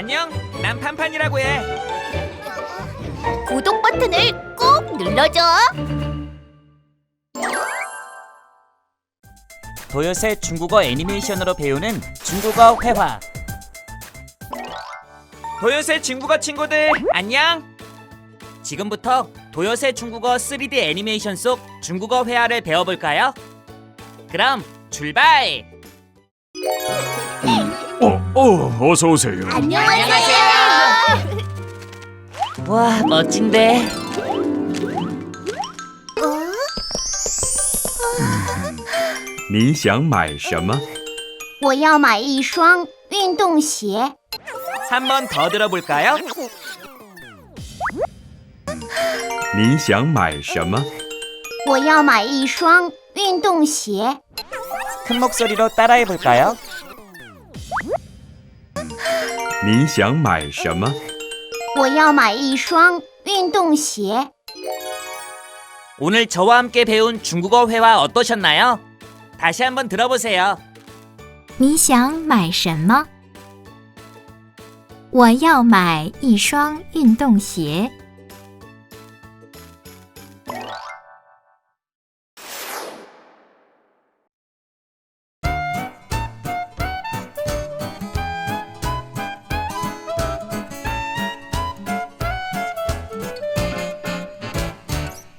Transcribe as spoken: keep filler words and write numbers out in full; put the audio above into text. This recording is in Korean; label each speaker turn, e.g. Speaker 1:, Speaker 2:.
Speaker 1: 안녕, 난 판판이라고 해.
Speaker 2: 구독 버튼을 꼭 눌러줘.
Speaker 3: 도요새 중국어 애니메이션으로 배우는 중국어 회화.
Speaker 1: 도요새 중국어 친구들, 안녕.
Speaker 3: 지금부터 도요새 중국어 쓰리디 애니메이션 속 중국어 회화를 배워볼까요? 그럼 출발!
Speaker 4: 어, 어, 어서 오세요.
Speaker 2: 안녕하세요.
Speaker 3: 와, 멋진데.
Speaker 4: 你想买什么？
Speaker 2: 我要买一双运动鞋。
Speaker 1: 한 번 더 들어볼까요?
Speaker 4: 你想买什么？
Speaker 2: 我要买一双运动鞋。
Speaker 3: 큰 목소리로 따라해볼까요?
Speaker 4: 你想买什么？
Speaker 2: 我要买一双运动鞋。
Speaker 3: 오늘 저와 함께 배운 중국어 회화 어떠셨나요? 다시 한번 들어보세요.
Speaker 5: 你想买什么？我要买一双运动鞋。